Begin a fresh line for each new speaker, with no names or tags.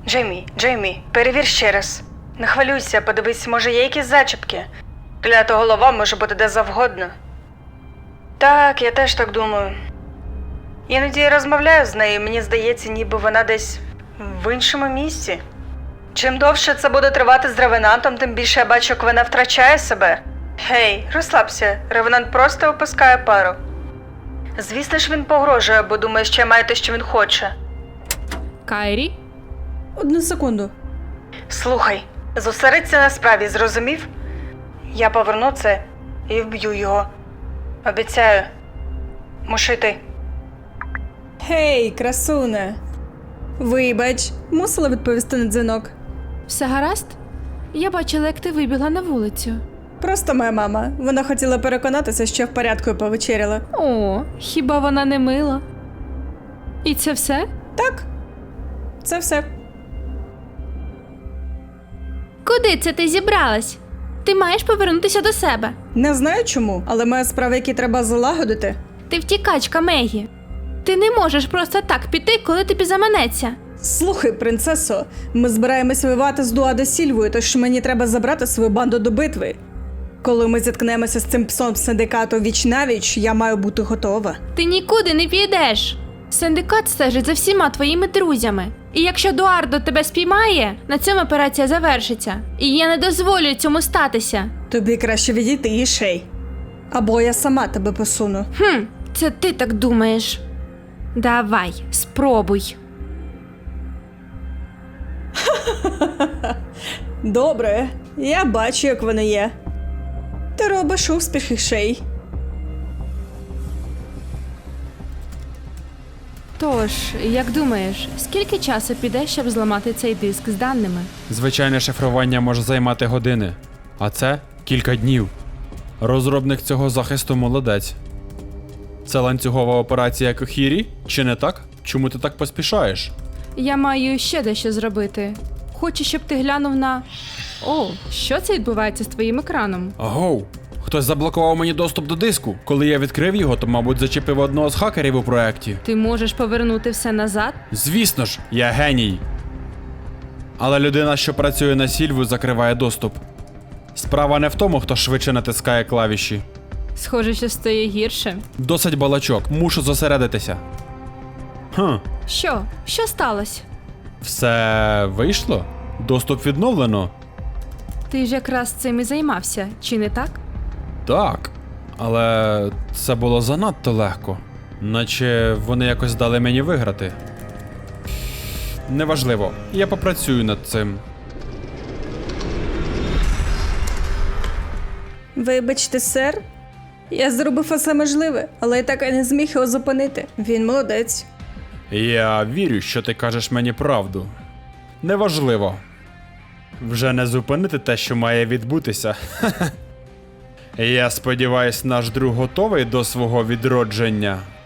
Джеймі, перевір ще раз. Не хвилюйся, подивись, може є якісь зачіпки. Клята голова може бути де завгодно. Так, я теж так думаю. Іноді я розмовляю з нею, мені здається, ніби вона десь в іншому місці. Чим довше це буде тривати з Ревенантом, тим більше я бачу, як вона втрачає себе. Гей, розслабся, Ревенант просто опускає пару. Звісно ж він погрожує, бо думає, що я маю те, що він хоче.
Кайрі?
1 секунду.
Слухай, зосередься на справі, зрозумів? Я поверну це і вб'ю його. Обіцяю. Мушу йти.
Гей, красуне. Вибач, мусила відповісти на дзвінок.
Все гаразд? Я бачила, як ти вибігла на вулицю.
Просто моя мама. Вона хотіла переконатися, що я в порядку і повечеряла.
О, хіба вона не мила? І це все?
Так, це все.
Куди це ти зібралась? Ти маєш повернутися до себе.
Не знаю чому, але маю справи, які треба залагодити.
Ти втікачка, Мегі. Ти не можеш просто так піти, коли тобі заманеться.
Слухай, принцесо, ми збираємось воювати з Дуадо Сільвою, тож мені треба забрати свою банду до битви. Коли ми зіткнемося з цим псом синдикату віч-навіч, я маю бути готова.
Ти нікуди не підеш. Синдикат стежить за всіма твоїми друзями. І якщо Дуардо тебе спіймає, на цьому операція завершиться. І я не дозволю цьому статися.
Тобі краще відійти, Ішей. Або я сама тебе посуну.
Це ти так думаєш. Давай, спробуй.
Добре, я бачу, як воно є. Ти робиш успіх, Ішей.
Тож, як думаєш, скільки часу піде, щоб зламати цей диск з даними?
Звичайне шифрування може займати години, а це кілька днів. Розробник цього захисту молодець. Це ланцюгова операція Кохірі? Чи не так? Чому ти так поспішаєш?
Я маю ще дещо зробити. Хочу, щоб ти глянув на... О, що це відбувається з твоїм екраном?
Агоу! Хтось заблокував мені доступ до диску. Коли я відкрив його, то, мабуть, зачепив одного з хакерів у проєкті.
Ти можеш повернути все назад?
Звісно ж, я геній. Але людина, що працює на Сільву, закриває доступ. Справа не в тому, хто швидше натискає клавіші.
Схоже, що стає гірше.
Досить балачок, мушу зосередитися.
Що? Що сталося?
Все вийшло? Доступ відновлено?
Ти ж якраз цим і займався, чи не так?
Так, але це було занадто легко. Наче вони якось дали мені виграти. Неважливо, я попрацюю над цим.
Вибачте, сер. Я зробив усе можливе, але я так і не зміг його зупинити. Він молодець.
Я вірю, що ти кажеш мені правду. Неважливо. Вже не зупинити те, що має відбутися. Я сподіваюсь, наш друг готовий до свого відродження.